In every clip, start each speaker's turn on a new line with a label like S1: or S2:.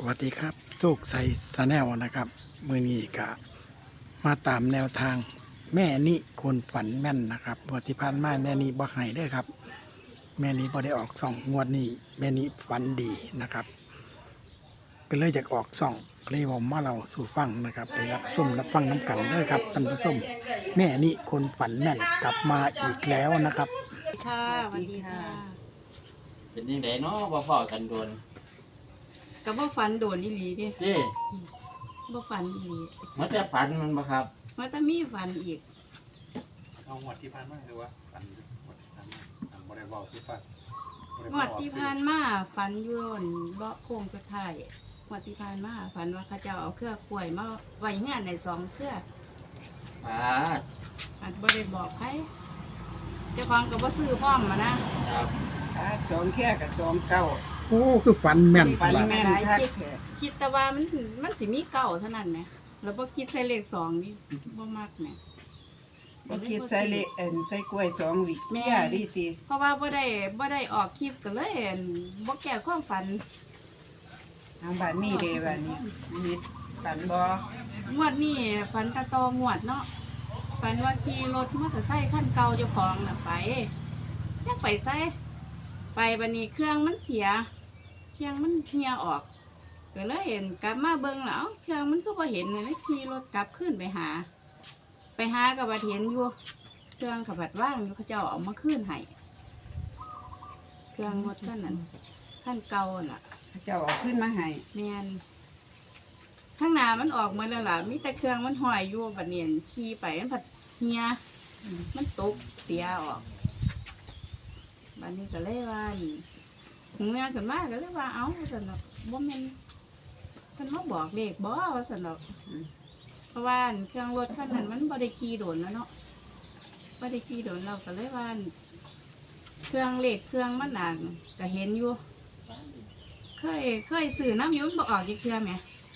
S1: วัสดีครับโชคชัยชาแนลนะครับมือนี้ก็มาตามแนวทางแม่นิคนฝันแม่นนะครับงวดที่ผ่านมาแม่นิบ่ให้เด้อครับแม่นิบ่ได้ออกส่องงวดนี้แม่นิฝันดีนะครับก็เลยอยากออกส่องเลยผมมาเราสู่ฟังนะครับไปรับชมรับฟังน้ำกันเด้อครับท่านผู้ชมแม่นิคนฝันแม่นกลับมาอีกแล้วนะครับ
S2: ค่ะสวัสดีค่ะ
S3: เป็นยังไงเนาะบ่พอกันโดน
S2: ก็บ่ฝันโดนอีหลีเด้
S3: เด้
S2: บ่ฝันอีหลี
S3: มันจะฝันมันบ่ครับ
S2: ว่าแต่มีฝันอีก
S4: เอาหมวดที่ผ่านมาคือว่าฝันหมวดที่ผ่านมาทางบริวารที่ฝัน
S2: งวดที่ผ่านมาฝันอยู่บนเบาะโค้งสุดท้ายงวดที่ผ่านมาฝันว่าเขาเจ้าเอาเครือกล้วยมาไว้เฮือนได้2เครือ
S3: อ่า
S2: อาจบ่ได้บอกใครเจ้าของก็บ่ซื้อพร้อมมานะครับ
S5: สองแค่กับสองเก้า
S1: โอ้คือฝันแม่น
S5: ฝัน
S1: ล่ะ
S5: แม่นคักแท้
S2: คิดแต่ว่ามันสิมีเก้าเท่านั้นแหมแล้วบ่คิดใส่เลข2นี่บ่มักแหม
S5: บ่คิดใส่เลขใส่กล้วยสองวิกแม่ดีติ
S2: เพราะว่าบ่ได้ออกคลิปก็เลยบ่แก้ความฝัน
S5: ทางบ้านนี่เด้บ้านนี้มีฝันบ่
S2: งวดนี้ฝันตะตองวดเนาะฝันว่าขี่รถมอเตอร์ไซค์คันเก่าเจ้าของน่ะไปจักไปไสไปบัดนี้เครื่องมันเสียเครื่องมันเหี่ยออกก็เลยเห็นกลับมาเบิ่งแล้วเครื่องมันก็บ่เห็นเลยขี่รถกลับขึ้นไปหาก็บ่เห็นอยู่เครื่องก็บัดว่างอยู่เขาเจ้าเอามาคืนให้เครื่องรถคันนั้นคันเก่าน่ะ
S5: เจ้าเอาขึ้นมาให้
S2: แม่นข้างหน้ามันออกมาแล้วล่ะมีแต่เครื่องมันห้อยอยู่บัดนี้ขี่ไปมันผัดเฮียมันตกเสียออกบัดนี้ก็เลยว่านี่หูเมียขึ้นมาก็เลยว่าเอ้าสนอกบ่แม่นเพิ่นมาบอกเลขบ่ว่าสนอกเพราะว่าเครื่องรถคันนั้นมันบ่ได้ขี่โดนแล้วเนาะบ่ได้ขี่โดนเราก็เลยว่าเครื่องเลขเครื่องมันน่ะก็เห็นอยู่เคยซื้อน้ำอยุ่มันบ่ออกจักเทื่อแหม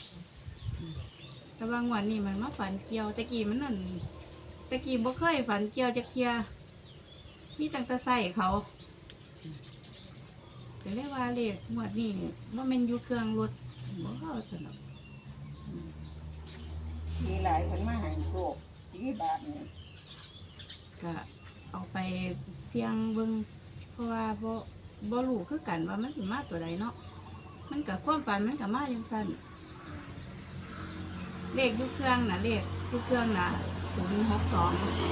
S2: แต่ว่างวดนี้มันมาฝันเกี่ยวตะกี้มันนั่นตะกี้บ่เคยฝันเกี่ยวจักเทื่อมีตั้งแต่ใส่เขาก็เลยว่าเลขงวดนี้บ่แม่นอยู่เครื่องรถบ่เข้าสนอก
S5: มีหลายคนมาให้โชคกี่บาทนี่
S2: ก็เอาไปเสี่ยงเบิ่งเพราะว่าบ่รู้คือกันว่ามันสิมาตัวใดเนาะมันก็ความฝันมันก็มาจังซั่นเลขอยู่เครื่องน่ะเลขอยู่เครื่องน่ะ062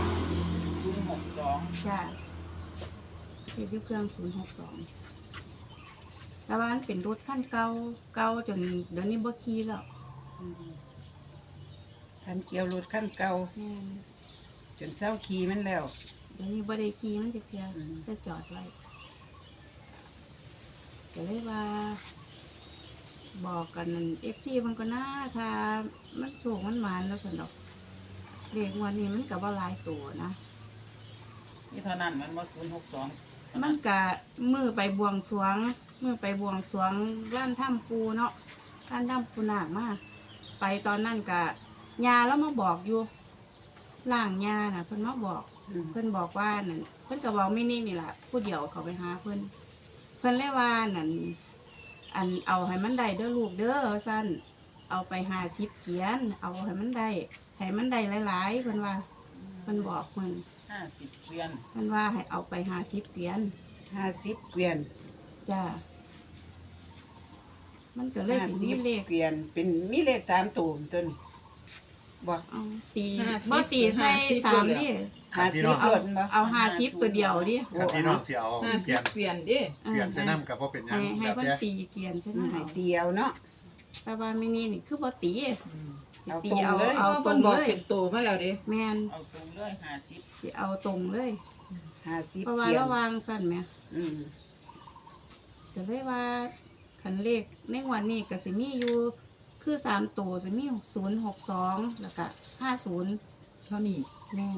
S5: 062
S2: จ้าเลขอยู่เครื่อง062แต่ว่ามันเป็นรถคันเก่าจนเดี๋ยวนี้บ่ขี่แล้ว
S5: คันเกี่ยวรถคันเก่า
S2: แม่น
S5: จนเศร้าขี่มันแล้ว
S2: เดี๋ยวนี้บ่ได้ขี่มันจะเพีย
S5: อืม
S2: จะจอดไว้ก็เลยว่า บอกกันFC มันก็น่าถ้ามันสูงมันหวานแล้วสนอกเลขงวันนี้มันก็บ่หลายตัวนะ
S5: นี่เท่านั้นมันบ่062
S2: มันก็มือไปบวงสรวงร้านถ้ำปูเนาะร้านถ้ำปูนาคมาไปตอนนั้นก็ยาแล้วมาบอกอยู่ล่างยาน่ะเพิ่นมาบอก เพิ่นบอกว่านั่นเพิ่นก็บอกไม่นี่นี่แหละผู้เดียวเขาไปหาเพิ่นเลยว่านั่นอันเอาให้มันได้เด้อลูกเด้อสั้นเอาไป50เหรียญเอาให้มันได้หลายๆเพิ่นว่าเพิ่นบอกเพิ่น
S5: 50เกวียน
S2: เพิ่นว่าให้เอาไป50เหรียญ
S5: 50เกวียน
S2: จ้ามันก็เลยสิมีเลข
S5: เกวียนเป็นมีเลข3ตัวตัวนี้บ่
S2: เอาตีบ่ตีใส่3ดิ
S5: 50
S2: เอา
S5: รถบ่
S2: เอา50ตัวเดียวดิ
S4: ขันที่น้องเสียเอาเปลี่ยน
S6: เปลี่ยนดิ
S4: เปลี่ยนใช้น้ำกับพ่เป็นหยัง
S2: ให้
S4: แบบ
S2: เพิ่น
S4: เนี้ย
S2: ตีเกวียนใช่ไหม
S5: ให้เดียวเนาะ
S2: แต่ว่าไม่นี่นี่คือบ่ตีสิ
S5: เอา
S2: ตี
S5: ตรง
S2: เอา
S5: เลย
S2: เอา
S6: เอา
S2: ต
S6: เพิ่
S2: ร
S6: น
S2: ง
S6: บอก
S2: เลย
S6: เป็นตัวมาแล้วดิ
S2: แม่น
S5: เอาตรงเลย50
S2: สิเอาตรงเลย
S5: 50
S2: เพราะว่า
S5: เกวียน
S2: ระวางสั่นแหม
S5: อืม
S2: ก็เลยว่าคันเลขในงวันนี้ก็สิมีอยู่คือ3ตัวสิมี062แล้วก็50
S6: เท่านี้
S2: แม่น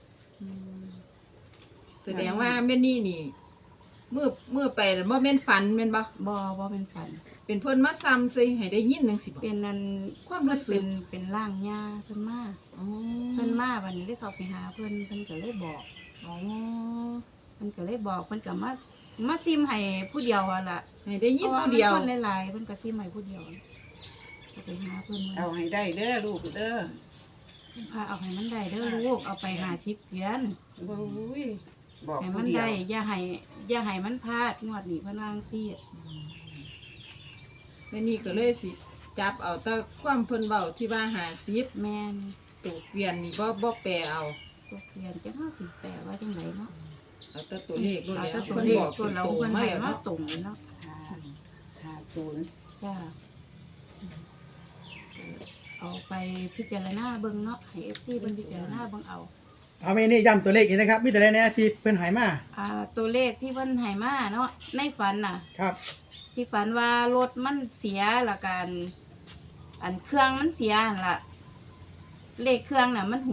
S6: แสดงว่าแม่นี่นี่มือไปแล้วบ่แม่นฝันแม่นบ่
S2: บ่เป็นฝัน
S6: เป็นเพิ่นมาซ้ำซิให้ได้ยินจังซี่บ่
S2: เป็นนั่น
S6: ความรู้สึก
S2: เป็นร่างยาเพิ่นมา
S6: อ๋อ
S2: เพิ่นมาวันนี้เลยเขาไปหาเพิ่นก็เลยบอก
S6: อ๋อ
S2: เพิ่นก็เลยบอกเพิ่นก็มาซิมให้ผู้เดียวอะล่ะ
S6: ให้ให้ได้ยิน
S2: พราะ
S6: ผู้เดียว
S2: มันคนหลายๆเพิ่นก็สิใหม่ผู้เดียวก็ไปหาเพิ่น
S5: เอาให้ได้เด้อลูกเด้อ
S2: พาเอาให้มันได้เด้อลูกเอาไป50เหรียญ
S5: โอ้ยบอก
S2: ให้
S5: ผู้
S2: มัน
S5: เดียว
S2: ได้อย่าให้มันพลาดงวดนี้เพิ่นว่าจังซี่
S6: แม่นี่ก็เลยสิจับเอาแต่ความเพิ่นเว้าที่ว่า50
S2: แม่น
S6: ตัวเปลี่ยนนี่บ่แปลเอา
S2: ตกเรียนจังเฮาสิแปลว่าจังไดเนาะ
S6: เอาแต่ตัวเลขโลด
S2: เอา
S6: แล้ว
S2: แต่ตัว
S6: เพิ่น
S2: เล
S6: บ
S2: ข
S6: อก
S2: ตัวเรา
S6: โต
S2: เพิ่น
S6: มา
S2: ให้
S6: แล้ว
S2: มา
S6: เนาะ
S2: ตรงเลยเนาะ
S5: 50
S2: จ้าเอาไปพิจารณาเบิ่งเนาะให้ FC เพิ่นพิจารณาเบิ่งเอา
S1: เอาแม่นี่ย้ำตัวเลขอีกนะครับมีแต่ใดแน่ที่เพิ่นใหายมา
S2: ตัวเลขที่เพิ่นให้มาเนาะในฝันน่ะ
S1: ครับ
S2: ที่ฝันว่ารถมันเสียละกันอันเครื่องมันเสียหั่นล่ะ เลขเครื่องน่ะมัน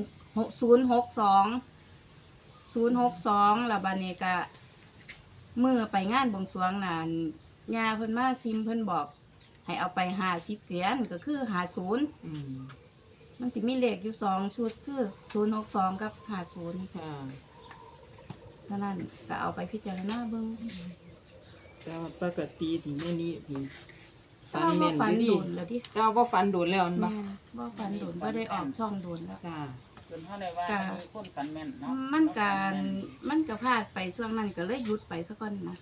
S2: 062แล้วบัดนี้ก็มื้อไปงานบวงสรวงน่ะย่าเพิ่นมาซิมเพิ่นบอก ให้เอาไป50เหรียญก็คือ50
S6: อืม
S2: มันสิมีเลขอยู่2ชุดคือ062กับ50
S6: ค่ะ
S2: เท่านั้นก็เอาไปพิจารณาเบิ่ง
S6: แต่ว่าปกติที่แม่นี่ที่
S2: ถ้าว่าฝัน
S6: อยู่
S2: โดนแล้วดิ
S6: แต่ว่าบ่ฝันโดนแล้วมันบ่
S2: แม่ว่าฝันโดนบ่ได้ออกช่องโดนแล้ว
S6: ค่ะ
S3: จนเท่าไรว่ามีคนฝันแม่นเนาะ
S2: มันก็พลาดไปช่วงนั้นก็เลยหยุดไปซะก่อนนะ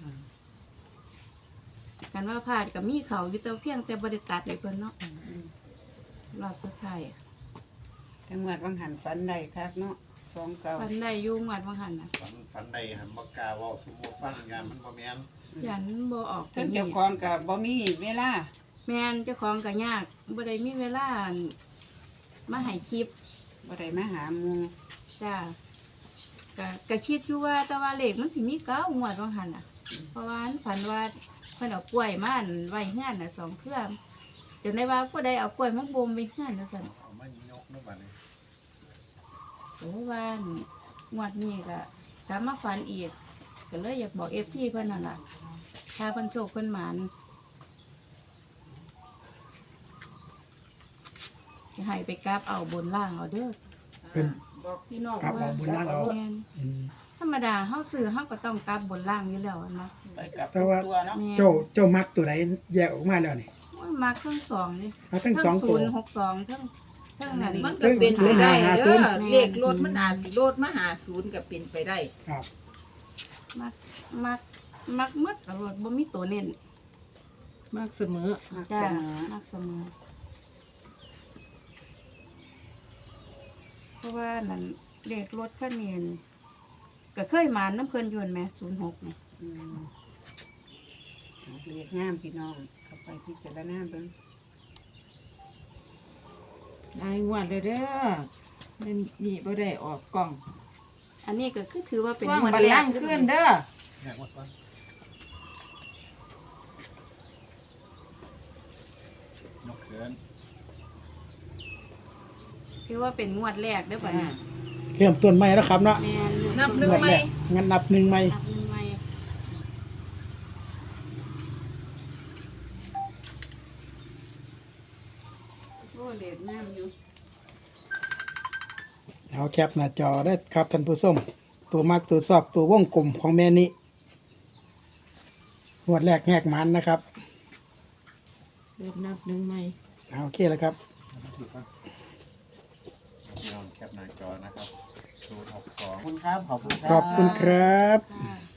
S2: กันว่าพลาดก็มีเขาอยู่แต่เพียงแต่บ่ได้ตัดให้เพิ่นเนาะรอบสุดท้ายอะ
S5: จังหวัดวังหันฝันได้คักเนาะ29
S2: ฝันได้อยู่งวดว่าหั่นน่ะ
S4: ฝันใดหันบ่กล้าเว้าสมมุติฟังงานมันบ่แม่น
S2: ยันบ่ออก
S5: เพิ่นเจ้าของก็บ่มีเวลา
S2: แม่นเจ้าของก็ยากบ่ได้มีเวลามาให้คลิป
S5: บ่ได้มาหาหมู่
S2: จ้าก็คิดอยู่ว่าแต่ว่าเลขมันสิมีเก้างวดว่าหั่นน่ะ เพราะว่าอันฝันว่าเพิ่นเอากล้วยมาอันไว้เฮือนน่ะ2เครือจนได้ว่าผู้ใดเอากล้วยมาบ่มไว้เฮือนจังซั่น
S4: เอามายกเนาะบัดนี้
S2: โอ้ว่างวดนี้ก็กลับมาฝันอีกก็เลยอยากบอก FC เพิ่นนั่นล่ะถ้าเพิ่นโชคเพิ่นหมานจะให้ไปกราบเอาบนล่างเอาเด้อ
S1: เพิ่น
S6: บอกพี่น้อง
S1: กราบเอาบนล่างเอา
S2: แม่น
S1: อืม
S2: ธรรมดาเฮาซื้อเฮาก็ต้องกราบบนล่างอยู่แล้วอันนะ
S3: ไปกับ
S1: แต่ว่า
S3: ตัวเนาะ
S2: แม่น
S1: เจ้ามักตัวไหนแยกออกมาแล้วนี่
S2: โอ้ยมาเครื่องสองนี่
S1: เอาทั้งสองตัว
S2: 062ทั้งนั้น
S6: มันก็เป็นไปได้เด้อ
S2: แม่น
S6: เลขรถมันอาจสิโลดมาหา0ก็เป็นไปได้
S1: ครับ
S2: มักหมดก็บ่มีตัวเน้น
S6: มากเสมอ
S5: มัก
S2: จ้า
S5: เสมอ
S2: มักเสมอเพราะว่านั่นเลขรถคันนี้นั่นก็เคยมาน้ำเพิ่นอยู่นั่นแหม06นี่
S5: อืมเรียกงามพี่น้องเข้าไปพิจารณาเบิ่ง
S6: ได้งวดเลยเด้อแม่นี่บ่ได้ออกกล้อง
S2: อันนี้ก็คือถือว่าเป็น
S6: ว่าง
S2: งวด
S6: บัล
S2: แร
S6: ลั
S2: ก
S6: งก์ขึ้นเด้อ
S4: แยกหมดก่อนยกเขิน
S2: ถือว่าเป็นงวดแรกเด้อบัดนี้
S1: เริ่มต้นใหม่แล้วครับเนาะ
S2: แม่นอยู่
S6: นับหนึ่ง
S1: งวด
S6: ไหม
S1: แรกงั้นนับหนึ่งใหม่
S2: นับหนึ่งใหม่โอ้เลขงามอยู่
S1: เอาแคปหน้าจอได้ครับท่านผู้ชมตัวมักตัวชอบตัววงกลมของแม่นี้งวดแรกแหกมันนะครับ
S6: เริ่มนับหนึ่งไหม
S1: เอาโอเคแล้วครับ
S4: ถูกป่ะลองแคปหน้าจอนะครับ062
S3: ขอบคุณครับ ขอบคุณครั
S1: ขอบคุณครับ
S2: ค่ะ